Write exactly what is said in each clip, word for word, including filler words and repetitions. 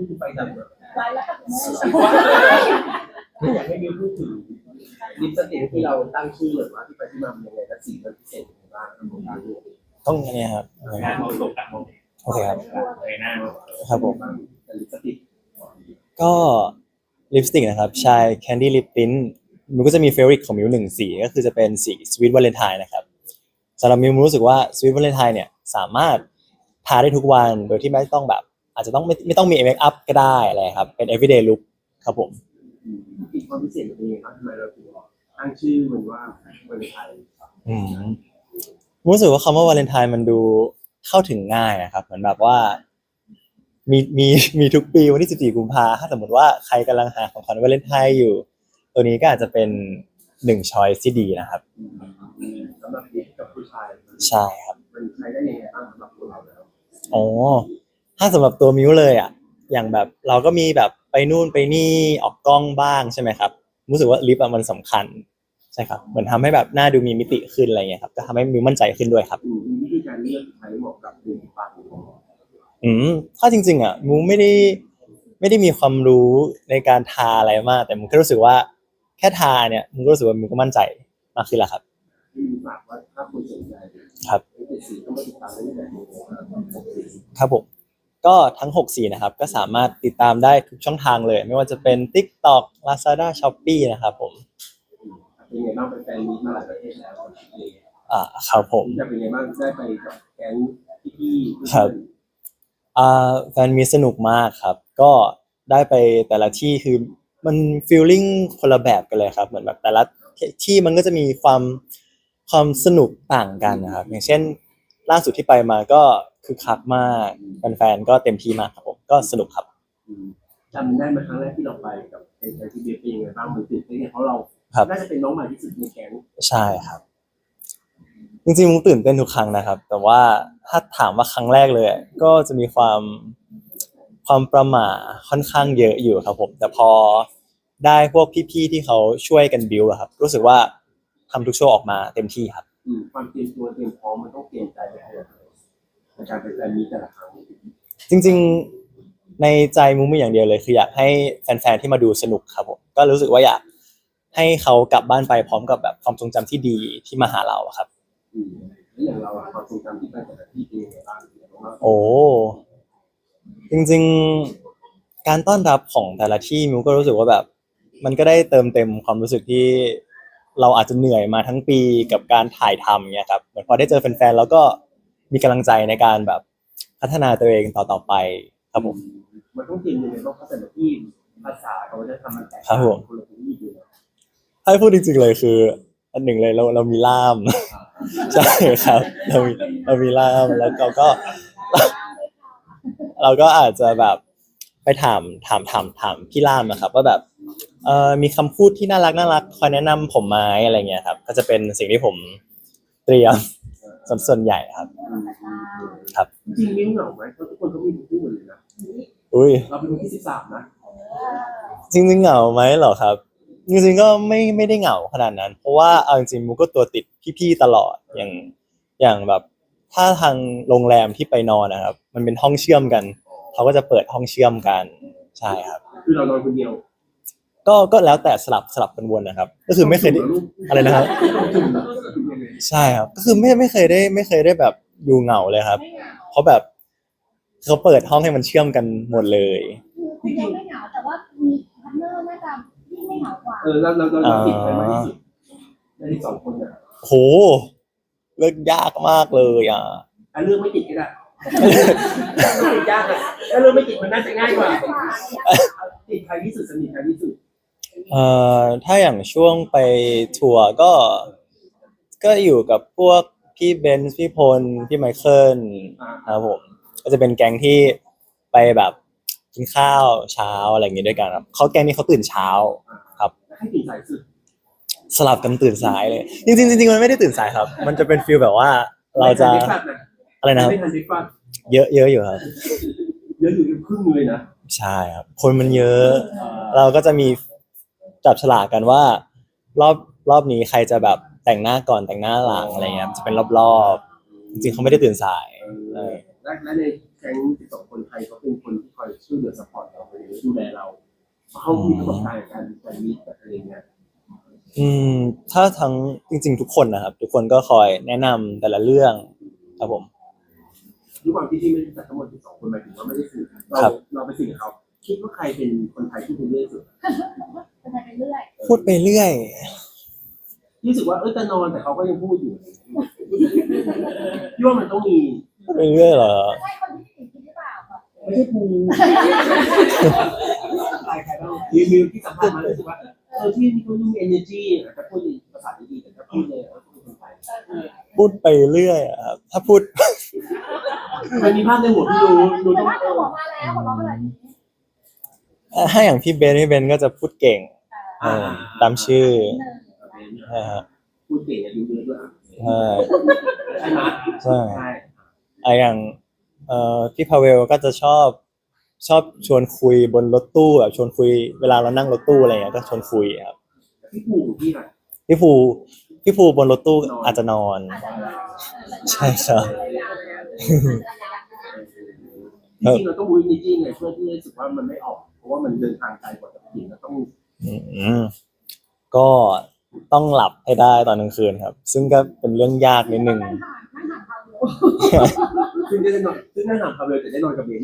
พูดถึงไฟดำไว้แล้วก็อยากให้มิวพูดถึงลิปสติกที่เราตั้งชื่อหรือว่าที่ไปที่มาเป็นยังไงและสีมันพิเศษยังไงบ้างครับผมต้องอันนี้ครับมองตกมองโอเคครับเลยหน้าครับผมลิปสติกก็ลิปสติกนะครับชาย Candy Lip Tint มันก็จะมีเฟเวอริตของมิวหนึ่งสีก็คือจะเป็นสี Sweet Valentine นะครับสำหรับมิวรู้สึกว่า Sweet Valentine เนี่ยสามารถทาได้ทุกวันโดยที่ไม่ต้องแบบอาจจะต้องไม่ไม่ต้องมีเมคอัพก็ได้อะไรครับเป็น everyday look ครับผมอีกความพิเศษเป็นยังไงครับทำไมเราถึงตั้งชื่อมันว่าวาเลนไทน์อืมรู้สึกว่าคำว่าวาเลนไทน์มันดูเข้าถึงง่ายนะครับเหมือนแบบว่ามีมีมีทุกปีวันที่สิบสี่กุมภาพันธ์ถ้าสมมติว่าใครกำลังหาของขวัญวาเลนไทน์อยู่ตัวนี้ก็อาจจะเป็นหนึ่งช้อยส์ที่ดีนะครับสำหรับเด็กกับผู้ชายใช่ครับมันใช้ได้ยังไงบ้างสำหรับตัวเราแล้วอ๋อถ้าสำหรับตัวมิวเลยอ่ะอย่างแบบเราก็มีแบบไปนู่นไปนี่ออกกล้องบ้างใช่ไหมครับรู้สึกว่าลิปอะมันสำคัญใช่ครับเหมือนทำให้แบบหน้าดูมีมิติขึ้นอะไรเงี้ยครับก็ทำให้มิวมั่นใจขึ้นด้วยครับมีวิธีการเลือกใช้เหมาะกับหนึ่งปากอืมถ้าจริงๆอ่ะมิวไม่ได้ไม่ได้มีความรู้ในการทาอะไรมากแต่มิวแค่รู้สึกว่าแค่ทาเนี่ยมิวก็รู้สึกว่ามิวก็มั่นใจมากขึ้นแล้วครับฝากว่าถ้าคุณสนใจครับสีก็มาติดตามได้แบบนี้ครับผมก็ทั้งหกสีนะครับก็สามารถติดตามได้ทุกช่องทางเลยไม่ว่าจะเป็น TikTok Lazada Shopee นะครับผมเป็นไงบ้างเป็นแฟนมีมาหลายประเทศแล้วอ่าครับผมจะเป็นไงบ้างได้ไปกับแก๊งพี่ๆครับอ่าแฟนมีสนุกมากครับก็ได้ไปแต่ละที่คือมันฟีลลิ่งคนละแบบกันเลยครับเหมือนแบบแต่ละที่มันก็จะมีความความสนุกต่างกันนะครับอย่างเช่นล่าสุดที่ไปมาก็คือคักมากแฟนๆก็เต็มที่มากครับผมก็สนุกครับจำได้ไหมครั้งแรกที่เราไปกับไอ้ที่เบียร์เป็นยังไงบ้างมันตื่นเต้นเพราะเราน่าจะเป็นน้องใหม่ที่สุดในแก๊งใช่ครับจริงๆมุกตื่นเต้นทุกครั้งนะครับแต่ว่าถ้าถามว่าครั้งแรกเลยก็จะมีความความประหม่าค่อนข้างเยอะอยู่ครับผมแต่พอได้พวกพี่ๆที่เขาช่วยกันบิวครับรู้สึกว่าทำทุกโชว์ออกมาเต็มที่ครับความเตรียมตัวเตรียมพร้อมมันต้องเตรียมใจไปอะไรในการเป็นแฟนมีแต่ละครั้งจริงๆในใจมุกมีอย่างเดียวเลยคืออยากให้แฟนๆที่มาดูสนุกครับผมก็รู้สึกว่าอยากให้เขากลับบ้านไปพร้อมกับแบบความทรงจำที่ดีที่มาหาเราครับแล้วอย่างเราความทรงจำที่ไปแต่ละที่เป็นยังไงบ้างโอ้จริงๆการต้อนรับของแต่ละที่มิวก็รู้สึกว่าแบบมันก็ได้เติมเต็มความรู้สึกที่เราอาจจะเหนื่อยมาทั้งปีกับการถ่ายทำเนี่ยครับเหมือนพอได้เจอแฟนๆแล้วก็มีกำลังใจในการแบบพัฒนาตัวเองต่อๆไปครับผมมันต้องเตรียมยังไงบ้างเพราะแต่ละที่ภาษาเขาจะทำมันแตกต่างกันคนละที่อยู่ให้พูดจริงๆเลยคืออันหนึ่งเลยเราเรามีล่ามใช่ครับเรามีเรามีล่ามแล้วเราก็เราก็อาจจะแบบไปถามถามถามถามพี่ล่ามนะครับว่าแบบเอ่อมีคำพูดที่น่ารักน่ารักคอยแนะนำผมไหมอะไรเงี้ยครับก็จะเป็นสิ่งที่ผมเตรียมส่วนส่วนใหญ่ครับครับจริงมิ้งเหงาไหมเพราะทุกคนก็มีคู่หมดเลยนะอุ้ยเราเป็นคนที่สิบสามนะจริงๆเหงาไหมเหรอครับจริงๆก็ไม่ไม่ได้เหงาขนาดนั้นเพราะว่าเอาจริงๆมุกก็ตัวติดพี่ๆตลอดอย่างอย่างแบบถ้าทางโรงแรมที่ไปนอนนะครับมันเป็นห้องเชื่อมกันเขาก็จะเปิดห้องเชื่อมกันใช่ครับคือเรานอนคนเดียวก็ก็แล้วแต่สลับสลับกันวนนะครับก็คือไม่เคยได้อะไรนะครับใช่ครับก็คือไม่ไม่เคยได้ไม่เคยได้แบบอยู่เหงาเลยครับเพราะแบบเขาเปิดห้องให้มันเชื่อมกันหมดเลยคือยังไม่เหงาแต่ว่ามีพาร์ทเนอร์น่าจะยิ่งไม่เหงากว่าเออเราเราเราติดไปมากที่สุดในที่สองคนเนี่ยโหเลือกยากมากเลยอ่ะอันเรื่องไม่ติดก็ได้ติดยากอ่ะถ้าเรื่องไม่ติดมันน่าจะง่ายกว่าติดใครที่สุดสนิทใครที่สุดเอ่อถ้าอย่างช่วงไปทัวร์ก็ก็อยู่กับพวกพี่เบนซ์พี่พลพี่ไมเคิลครับผมก็จะเป็นแก๊งที่ไปแบบกินข้าวเช้าอะไรอย่างงี้ด้วยกันครับเขาแก๊งนี้เขาตื่นเช้าครับให้ตื่นสายสุดสลับกันตื่นสายเลยจริงๆจริงๆมันไม่ได้ตื่นสายครับมันจะเป็นฟีลแบบว่าเราจะอะไรนะครับเยอะเยอะอยู่ครับเยอะอยู่ครึ่งเลยนะใช่ครับคนมันเยอะเราก็จะมีจับฉลากกันว่ารอบรอบนี้ใครจะแบบแต่งหน้าก่อนแต่งหน้าหลังอะไรเงี้ยจะเป็นรอบๆจริงๆเขาไม่ได้ตื่นสายและและในแก๊งสิบสองคนไทยเขาเป็นคนที่คอยช่วยเหลือซัพพอร์ตเราดูแลเราเขามีประสบการณ์ในการการมีอะไรเงี้ยอืมถ้าทั้งจริงๆทุกคนนะครับทุกคนก็คอยแนะนำแต่ละเรื่องครับผมด้วยความที่ที่ไม่ได้จัดทั้งหมดที่สองคนหมายถึงว่าไม่ได้สื่อเราครับเราไปสื่อกับเขาคิดว่าใครเป็นคนไทยที่เป็นเรื่อยสุดเป็นไปเรื่อยพูดไปเรื่อยรู้สึกว่าเออจะนอนแต่เขาก็ยังพูดอยู่พี่ว่ามันต้องมีพูดไปเรื่อยเหรอใช่คนที่สี่คิดหรือเปล่าแบบไม่ใช่ภูใครใครบ้างรีวิวที่สัมภาษณ์มารู้สึกว่าเออที่นี่เขาดู energy แต่พูดภาษาดีๆแต่ถ้าพูดเลยเออพูดคนไทยพูดไปเรื่อยอะครับถ้าพูดมันมีภาพในหัวพี่ดูดูแต่ต้องว่าเอเราอบอกมาแล้วของเราขนาดนี้ถ้าอย่างพี่เบนพี่เบนก็จะพูดเก่งเออตามชื่อนะฮะพูดเก่งอย่าดูเยอะด้วยอ่ะใช่ใช่ไหมใช่ใช่ไอะอย่างเอ่อพี่พาเวลก็จะชอบชอบชวนคุยบนรถตู้แบบชวนคุยเวลาเรานั่งรถตู้อะไรเงี้ยก็ชวนคุยครับพี่ภูพี่อ่ะพี่ภูพี่ภูบนรถตู้อาจจะนอน ใช่ครับจริงๆเราต้องบูนิจี้ไงเพื่อที่จะรู้สึกว่ามันไม่ออกเพราะว่ามันเดินทางไกลกว่าปกติเราต้องอืมก็ต้องหลับให้ได้ตอนกลางคืนครับ ซึ่งก็เป็นเรื่องยากนิดนึงนั่งถามนั่งถามเราอยู่ซึ่งได้นอนซึ่งได้นอนคาเวลแต่ได้นอนกับเบนซ์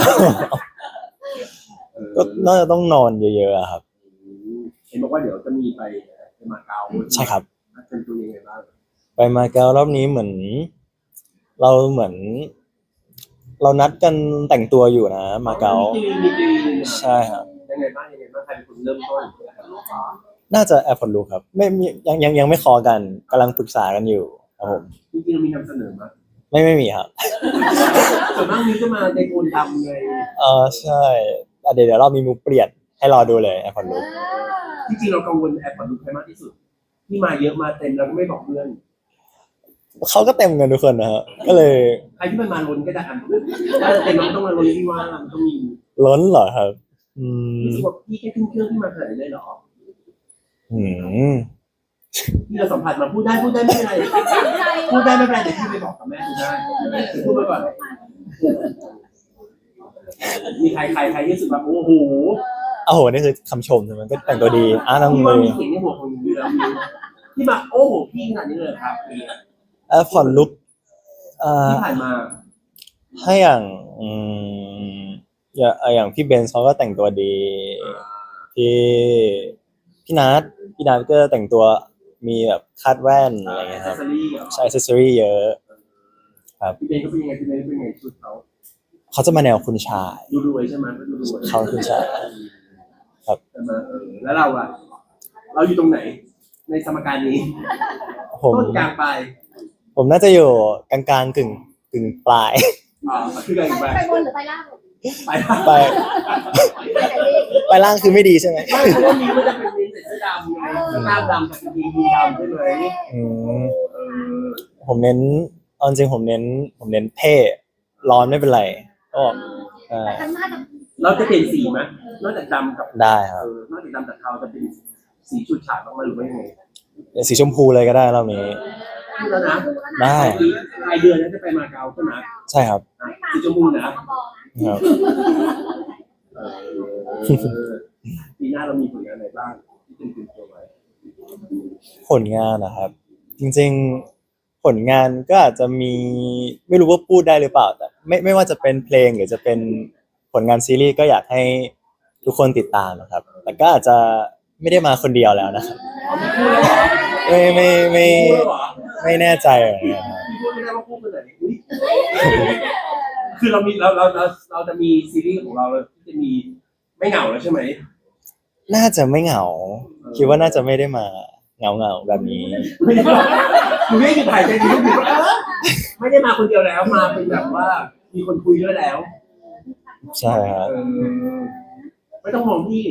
เออก็น่าจะต้องนอนเยอะๆอะครับเห็นบอกว่าเดี๋ยวจะมีไปไปมาเก๊าใช่ครับเป็นตัวยังไงบ้างไปมาเก๊ารอบนี้เหมือน เราเหมือน เรานัดกันแต่งตัวอยู่นะมาเก๊ามีตีมีตีใช่ครับยังไงบ้างยังไงบ้างใครเป็นคนเริ่มต้นน่าจะแอร์พอร์ตลูครับไม่มียังยังยังไม่คอกันกำลังปรึกษากันอยู่ครับผมจริงๆเรามีนำเสนอมาไม่ไม่มีครับส่วนมากนี้ก็มาในโกนดำเลยเออใช่อ่ะเดี๋ยวเดี๋ยวเรามีมูเปลี่ยนให้รอดูเลยแอร์พอร์ตลูจริงๆเรากังวลแอร์พอร์ตลูใครมากที่สุด ที่มาเยอะมาเต็มแล้วก็ไม่บอกเพื่อนเขาก็เต็มกันทุกคนนะฮะก็เลยใครที่มันมาล้นก็จะอ่านถ้าเต็มน้องต้องมาล้นที่ว่ามันต้องมีล้นเหรอครับ อืมรู้สึกว่าพี่แค่ขึ้นเครื่องที่มาขนาดนี้เลยเหรออืมที่เราสัมผัสมาพูดได้พูดได้ไม่เป็นไรพูดได้ไม่เป็นไรเดี๋ยวพี่ไปบอกกับแม่ดูได้เดี๋ยวพูดไปก่อนมีใครใครใครที่รู้สึกแบบโอ้โหโอ้โหนี่คือคำชมใช่ไหมก็แต่งตัวดีอ่ะน้องที่เลว่าย มีเสียงในหัวของอยู่แล้วที่มาโอ้โหพี่ขนาดนี้เลยครับแอร์พอร์ตลุกอ่าที่ผ่านมาให้อย่างอืมอย่างอย่างพี่เบนซ์เขาก็แต่งตัวดี พี่พี่นัทพี่นัทก็แต่งตัวมีแบบคาดแว่นอะไรเงี้ยครับซอรี่ใช้อ c เซสซอรี่เยอะพี่เบนก็เป็นยังไงพี่เบนเป็นยังไงชุดเขาเขาจะมาแนวคุณชายดูรวยใช่ไหมดูรวยเขาคุณชาย ครับแต่มาเออแล้วเราอะเราอยู่ตรงไหน ในสมการนี้ผมต้นกลางปลายผมน่าจะอยู่กลางกลางๆกึ่งกึ่งปลายอ่าคือกลางปลายไปบนหรือไปล่างไปไปไปไหนดีไปล่างคือไม่ดีใช่ไหมไม่เพราะว่ามีมันจะเป็นมีใส่เสื้อดำไงเสื้อกล้ามดำกับกางเกงยีนดำใช่ไหมอืมเออผมเน้นเอาจริงผมเน้น ผมเน้นเท่ร้อนไม่เป็นไรก็ใช่แต่ข้างหน้าจะเราจะเปลี่ยนสีไหมนอกจากดำกับได้คเอรับอนอกจากดำกับเทาจะเป็นสีชุดฉาดบ้างไหมหรือว่ายังไงเดี๋ยวสีชมพูเลยก็ได้รอบนี้พูดแล้วนะได้ปลายเดือนนั้นจะไปมาเก๊าใช่ไหมใช่ครับอ่ะสีชมพูนะครับเออปีหน้าเรามีผลงานอะไรบ้างที่เป็นตัวตัวไว้ผลงานนะครับ จริงๆผลงานก็อาจจะมีไม่รู้ว่าพูดได้หรือเปล่าแต่ไม่ไม่ว่าจะเป็นเพลงหรือจะเป็นผลงานซีรีส์ก็อยากให้ทุกคนติดตามนะครับ แต่ก็อาจจะไม่ได้มาคนเดียวแล้วนะครับเอาไม่พูดแล้วเหรอไม่ไม่ไม่พูดแล้วเหรอไม่แน่ใจเหมือนกันครับพี่พูดไม่ได้ว่าพูดไปไหนอุ๊ยคือเรามีเราเราเราเราจะมีซีรีส์ของเราที่จะมีไม่เหงาแล้วใช่ไหมน่าจะไม่เหงา คิดว่าน่าจะไม่ได้มาเหงาเหงาๆแบบนี้ไม่ได้คือไม่ได้หยุดถ่ายใจดีก็คือว่าเออไม่ได้มาคนเดียวแล้วมาเป็นแบบว่ามีคนคุยด้วยแล้วใช่ครับเออไม่ต้องมองพี่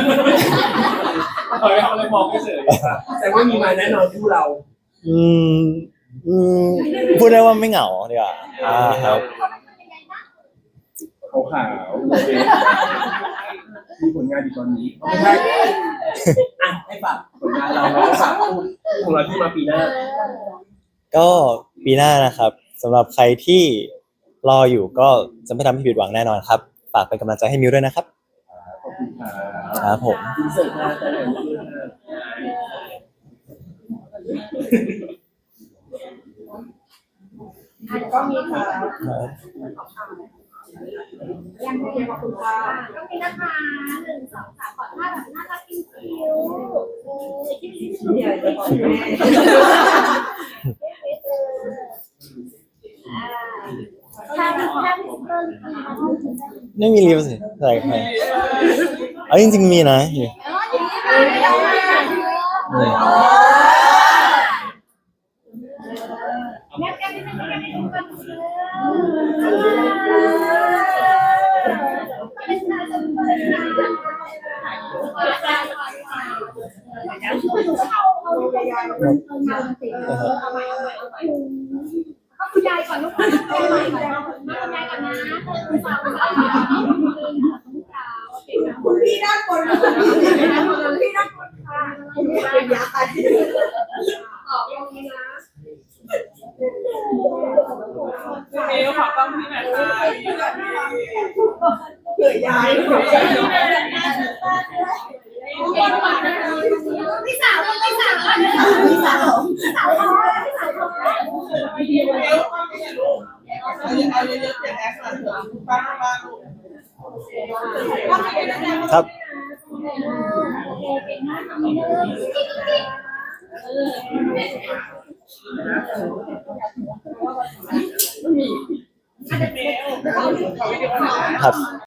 เออเอาอะไรมองไม่เฉยแต่ว่ามีมาแน่นอนคู่เราอืมอืมพูดได้ว่าไม่เหงาดีกว่าอ่าครับขาวขาวๆโอเคมีผลงานอยู่ตอนนี้เอาไม่ใช่อ่ะให้ฝากผลงานเราแล้วก็ฝากคู่ของเราที่มาปีหน้าก็ปีหน้านะครับสำหรับใครที่รออยู่ก็จะไม่ทำให้ผิดหวังแน่นอนครับฝากเป็นกำลังใจให้มิวด้วยนะครับครับผมอินเสิร์ตมาแต่ไหนไม่รู้นะอ่ะก็มีค่ะครับยังไงขอบคุณค่ะก็มีนะคะหนึ่งสองสามขอท่าแบบน่ารักคิ้วๆเออคิ้วๆเดี๋ยวจะขอแม่ถ้าถ้าพิสเตอร์ไม่มีลิปสิใส่ไปเอาจริงๆมีนะอยู่อ๋ออย่างนี้ค่ะไม่ต้องมาแม่แก้ไม่ได้แก้ไม่ได้กันเป็นชาจนเป็นชาเอาเอาลูกยายเอามาติดเอาใหม่เอาใหม่เอาใหม่ก็คุณยายก่อนลูกคุณยายก่อนนะคุณยายก่อนนะคุณสาวคุณสาวคุณพี่ด้านบนคุณพี่ด้านบนค่ะคุณพี่เป็นยายออกตรงนี้นะเมลขอกล้องพี่หน่อยค่ะเกิดยายพี่สาวพี่สาวพี่สาวพี่สาวพี่สาวเอาเยอะๆเจ็ดแอคหน่อยเถอะบ้างบ้างลูกครับ ครับ